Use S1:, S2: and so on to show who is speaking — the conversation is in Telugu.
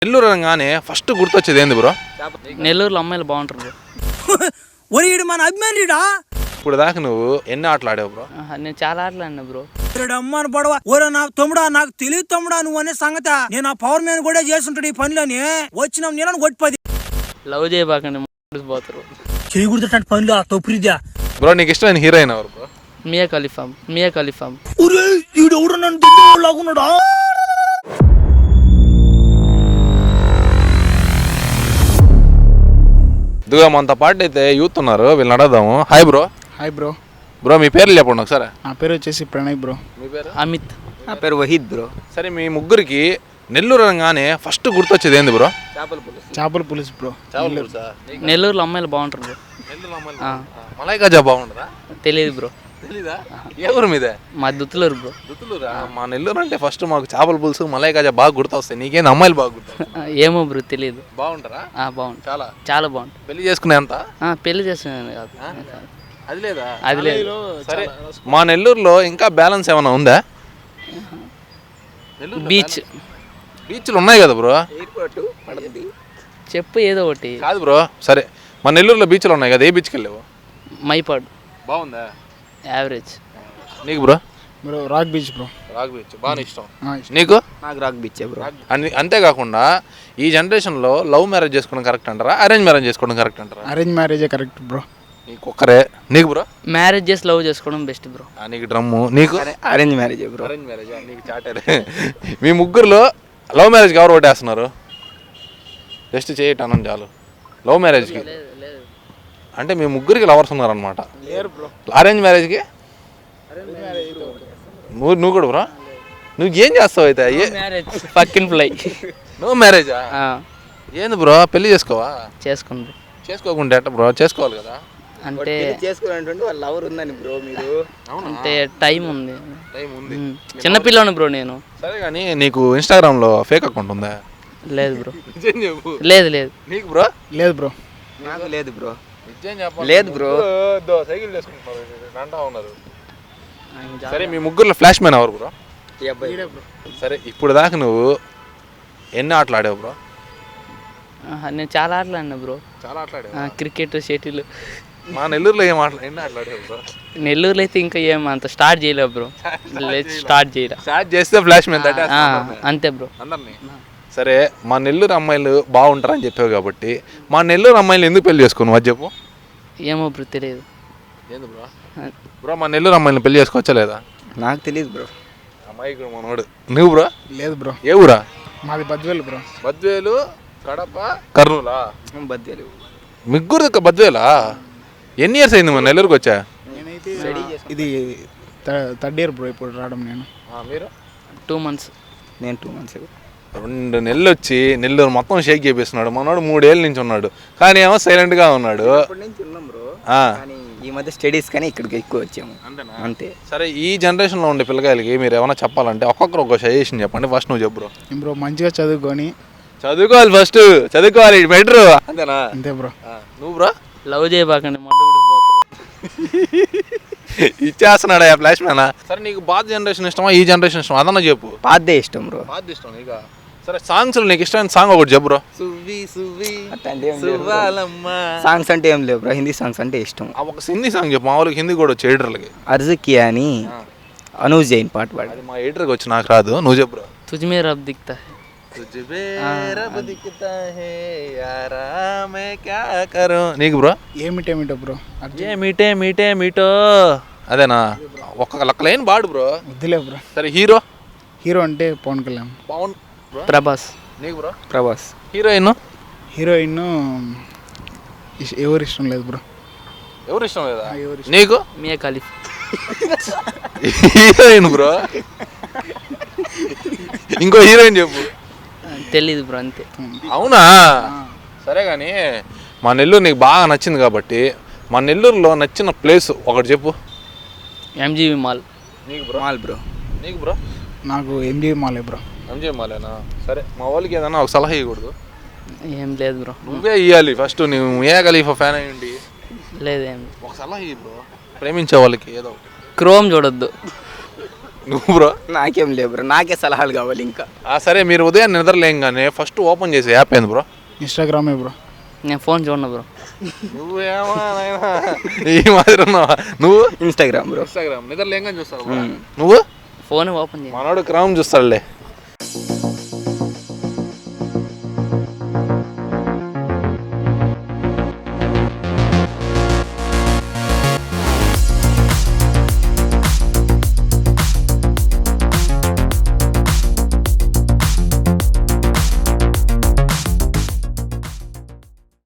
S1: నెల్లూరు అనగానే ఫస్ట్ గుర్తొచ్చేది ఏంది బ్రో?
S2: నెల్లూరులో అమ్మాయిలు బాగుంటారు బ్రో.
S3: ఒరేడు మన అభిమానిడా.
S1: ఇప్పుడు దాకా నువ్వు ఎన్ని ఆటలు ఆడావు బ్రో?
S2: నేను చాలా ఆటలు ఆడినా బ్రో.
S3: అమ్మాని పడవ ఒరే నా తమ్ముడా, నాకు తెలియదు తమ్ముడా నువ్వు అనే సంగతి. నేను ఆ పవర్ మ్యాన్ కూడా చేస్తుంటాడు ఈ పనిలోని. వచ్చిన నేను కొట్టిపోది.
S2: లవ్ చేయబాకండి పోతారు.
S3: చేయకూడదు పనులు ఆ తొప్పురిద్యా.
S1: బ్రో నీకు ఇష్టమైన హీరోయిన్ ఎవరు బ్రో?
S2: మియా ఖలీఫా.
S3: ఒరే ఈడు ఎవరు నన్ను దగ్గరలాగున్నాడా?
S1: ఇదిగో మనతో పాటు అయితే యూత్ ఉన్నారు, వీళ్ళని అడగదాము. Hi bro.
S4: Hi bro.
S1: Bro మీ పేర్లు చెప్పండి ఒకసారి.
S4: నా పేరు వచ్చేసి ప్రణయ్ బ్రో.
S1: మీ పేరు?
S2: అమిత్.
S5: నా పేరు వహీద్ బ్రో.
S1: సరే మీ ముగ్గురికి నెల్లూరు అనగానే ఫస్ట్ గుర్తొచ్చేది ఏంది బ్రో?
S4: చేపల పులుసు బ్రో.
S2: నెల్లూరులో అమ్మాయిలు బాగుంటారు బ్రో.
S1: మలైకాజా బాగుంటుందా?
S2: తెలియదు బ్రో.
S1: తెలీదా? ఏ ఊరు మీదే?
S2: మా దుత్తులూరు బ్రో.
S1: దుత్తులూరా? మా నెల్లూరు అంటే ఫస్ట్ మాకు చేపల పులుసు మలైకాజా బాగా గుర్తొస్తాయి. నీకేంది అమ్మాయిలు బాగా గుర్తొస్తాయి?
S2: ఏమో బ్రో తెలియదు.
S1: బాగుంటారా?
S2: బాగుంటుంది.
S1: చాలా
S2: బాగుంటుంది.
S1: పెళ్లి చేసుకునే అంత?
S2: పెళ్లి చేస్తున్నాను కాదు.
S1: అది లేదా?
S2: అది లేదు.
S1: సరే మా నెల్లూరులో ఇంకా బ్యాలెన్స్ ఏమైనా ఉందా? బీచ్లు ఉన్నాయి కదా బ్రో.
S2: చెప్పు ఏదో ఒకటి.
S1: కాదు బ్రో, సరే మా నెల్లూరులో బీచ్లు ఉన్నాయి కదా, ఏ బీచ్కి వెళ్ళావు?
S2: మైపాడు.
S1: బాగుందా?
S2: యావరేజ్.
S1: నీకు bro?
S4: Bro rock beach bro.
S1: Rock beach బాగా ఇష్టం. నీకు?
S5: నాకు రాక్ బీచ్ బ్రో.
S1: అంతేకాకుండా ఈ జనరేషన్లో లవ్ మ్యారేజ్ చేసుకోవడం కరెక్ట్ అంటారా, అరేంజ్ మ్యారేజ్ చేసుకోవడం కరెక్ట్ అంటారా?
S4: అరేంజ్ మ్యారేజే కరెక్ట్ బ్రో.
S1: నీకు ఒక్కరే. నీకు బ్రో?
S2: మ్యారేజ్ చేసి లవ్ చేసుకోవడం బెస్ట్ బ్రో.
S1: నీకు డ్రమ్ము. నీకు?
S5: Arrange marriage bro.
S1: Arrange marriage. నీకు చాటరే. మీ ముగ్గురులో లవ్ మ్యారేజ్కి ఎవరు ఓటేస్తున్నారు? జస్ట్ చేయటం చాలు. లవ్ మ్యారేజ్కి అంటే మీ ముగ్గురికి లవర్స్ ఉన్నారనమాట. అరేంజ్ మ్యారేజ్కి నువ్వు కూడా బ్రో? నువ్వు ఏం చేస్తావు అయితే?
S2: పక్కిన ఫ్లై.
S1: నువ్వు మ్యారేజా? ఏంది బ్రో పెళ్లి చేసుకోవా?
S2: చేసుకుంది.
S1: చేసుకోకుండా ఎట్ట బ్రో? చేసుకోవాలి కదా.
S2: అంటే
S5: చేసుకోవాలంటే వాళ్ళ లవర్ ఉందని బ్రో మీరు.
S2: అంటే టైం ఉంది. చిన్నపిల్లని బ్రో నేను.
S1: సరే కానీ నీకు ఇన్స్టాగ్రామ్లో ఫేక్ అకౌంట్ ఉందా?
S2: లేదు బ్రో. లేదు.
S1: నీకు బ్రో?
S4: లేదు బ్రో.
S5: నాకు లేదు బ్రో.
S1: లేదు బ్రో. సైకిల్ చేసుకుంటున్నారు. సరే మీ ముగ్గురులో ఫ్లాష్ మ్యాన్ ఎవరు బ్రో? సరే ఇప్పుడు దాకా నువ్వు ఎన్ని ఆటలు ఆడావు బ్రో?
S2: నేను చాలా ఆటలు ఆడినా బ్రో.
S1: చాలా ఆటలు.
S2: Cricket, shuttle.
S1: మా నెల్లూరులో ఎన్ని ఆటలు ఆడావు బ్రో?
S2: నెల్లూరులో అయితే ఇంకా ఏం అంత స్టార్ట్ చేయలేవు బ్రో. స్టార్ట్
S1: చేస్తే ఫ్లాష్ మ్యాన్
S2: అంతే బ్రో.
S1: అందరినీ. సరే మా నెల్లూరు అమ్మాయిలు బాగుంటారని చెప్పావు కాబట్టి మా నెల్లూరు అమ్మాయిలు ఎందుకు పెళ్లి చేసుకోను అది చెప్పు.
S2: ఏమో బ్రో తెలియదు.
S1: ఏంది బ్రో? బ్రో మా నెల్లూరు అమ్మాయిని పెళ్లి చేసుకోవచ్చా లేదా?
S5: నాకు తెలియదు బ్రో.
S1: అమ్మాయి మనోడు. నువ్వు బ్రో?
S4: లేదు బ్రో.
S1: ఏ ఊరా?
S4: మాది బద్వేలు బ్రో.
S1: బద్వేలు, కడప, కర్నూలా?
S5: బద్వేలు.
S1: ముగ్గురు బద్వేలా? ఎన్ని ఇయర్స్ అయింది మన నెల్లూరుకి వచ్చా?
S4: నేనైతే ఇది థర్డ్ ఇయర్ బ్రో ఇప్పుడు రావడం. నేను
S1: మీరు?
S2: 2 months.
S5: నేను 2 months.
S1: 2 నెలలు వచ్చి నెల్లూరు మొత్తం షేక్ చేపిస్తున్నాడు. మనోడు 3 ఏళ్ళ నుంచి ఉన్నాడు కానీ ఏమో సైలెంట్గా ఉన్నాడు.
S5: ఈ మధ్య స్టడీస్ కానీ ఇక్కడికి ఎక్కువ వచ్చాము అంతే.
S1: సరే ఈ జనరేషన్లో ఉండే పిల్లకాయలకి మీరు ఏమైనా చెప్పాలంటే ఒక్కొక్కరు ఒక సజెషన్ చెప్పండి. ఫస్ట్ నువ్వు చెప్పు బ్రో.
S4: బ్రో మంచిగా చదువుకోవాలి. ఫస్ట్
S1: చదువుకోవాలి బెటర్. అంతేనా?
S4: అంతే బ్రో.
S1: నువ్వు బ్రో?
S2: లవ్ చేయబాకండి పోతారు.
S1: ఇచ్చేస్తున్నాడా ఫ్లాష్ మ్యానా? సరే నీకు పాత జనరేషన్ ఇష్టమా ఈ జనరేషన్ ఇష్టమా అదన్నా చెప్పు.
S5: పాతదే ఇష్టం బ్రో.
S1: పాత ఇష్టం నీకు? సరే సాంగ్స్లో నీకు ఇష్టమైన సాంగ్ ఒకటి చెప్పు బ్రో.
S5: సాంగ్స్ అంటే ఏం లేవు బ్రో. హిందీ సాంగ్స్ అంటే ఇష్టం.
S1: ఒక హిందీ సాంగ్ చెప్పు. మామూలుగా హిందీ కూడా వచ్చి ఎడిటర్లకి.
S5: అర్జుకియా అని అనూజ్ జైన్ పాట పాడు.
S1: అది మా ఎడిటర్కి వచ్చి నాకు రాదు. నువ్వు చెప్పు బ్రో.
S2: తుజ్మే రబ్ దిక్తా
S1: నీకు బ్రో?
S4: ఏమిటేమిటో బ్రో.
S2: మీటో
S1: అదేనా? ఒక్క లెక్క లైన్ పాడు బ్రో.
S4: వద్దులే బ్రో.
S1: సరే హీరో?
S4: హీరో అంటే పవన్ కళ్యాణ్.
S2: ప్రభాస్.
S1: నీకు బ్రో?
S5: ప్రభాస్.
S1: హీరోయిన్?
S4: హీరోయిన్ ఎవరు ఇష్టం లేదు బ్రో.
S1: ఎవరు ఇష్టం లేదా? నీకు?
S2: Mia Khalifa.
S1: Heroine bro? ఇంకో హీరోయిన్ చెప్పు.
S2: తెలీదు బ్రో. అంతే.
S1: అవునా? సరే కానీ మా నెల్లూరు నీకు బాగా నచ్చింది కాబట్టి మా నెల్లూరులో నచ్చిన ప్లేస్ ఒకటి చెప్పు.
S2: MGV mall.
S1: నీకు బ్రో?
S5: Mall bro.
S1: నీకు బ్రో?
S4: నాకు ఎంజీవి మాలే బ్రో.
S1: ఎంజీవి మాలేనా? సరే మా వాళ్ళకి ఏదైనా ఒక సలహా ఇవ్వకూడదు?
S2: ఏం లేదు బ్రో.
S1: నువ్వే ఇవ్వాలి ఫస్ట్. నువ్వు మియా ఖలీఫా ఫ్యాన్ అయ్యండి.
S2: లేదేం.
S1: ఒక సలహా ఇవ్వు బ్రో. ప్రేమించే వాళ్ళకి ఏదో
S2: క్రోమ్ చూడొద్దు.
S1: నువ్వు బ్రో
S5: నాకేం లేవు బ్రో, నాకే సలహాలు కావాలి ఇంకా.
S1: సరే మీరు ఉదయం నిద్రలేయంగానే ఫస్ట్ ఓపెన్ చేసే యాప్ ఏంది బ్రో?
S4: ఇన్స్టాగ్రామే బ్రో.
S2: నేను ఫోన్ చూడను బ్రో.
S1: నువ్వేమో ఈ మాదిరి ఉన్నావా నువ్వు?
S5: Instagram bro.
S1: ఇన్స్టాగ్రామ్ నిద్రలేయంగానే చూస్తావు. నువ్వు?
S2: ఫోన్ ఓపెన్ చేయ
S1: మనోడు క్రౌన్ చూస్తాడులే.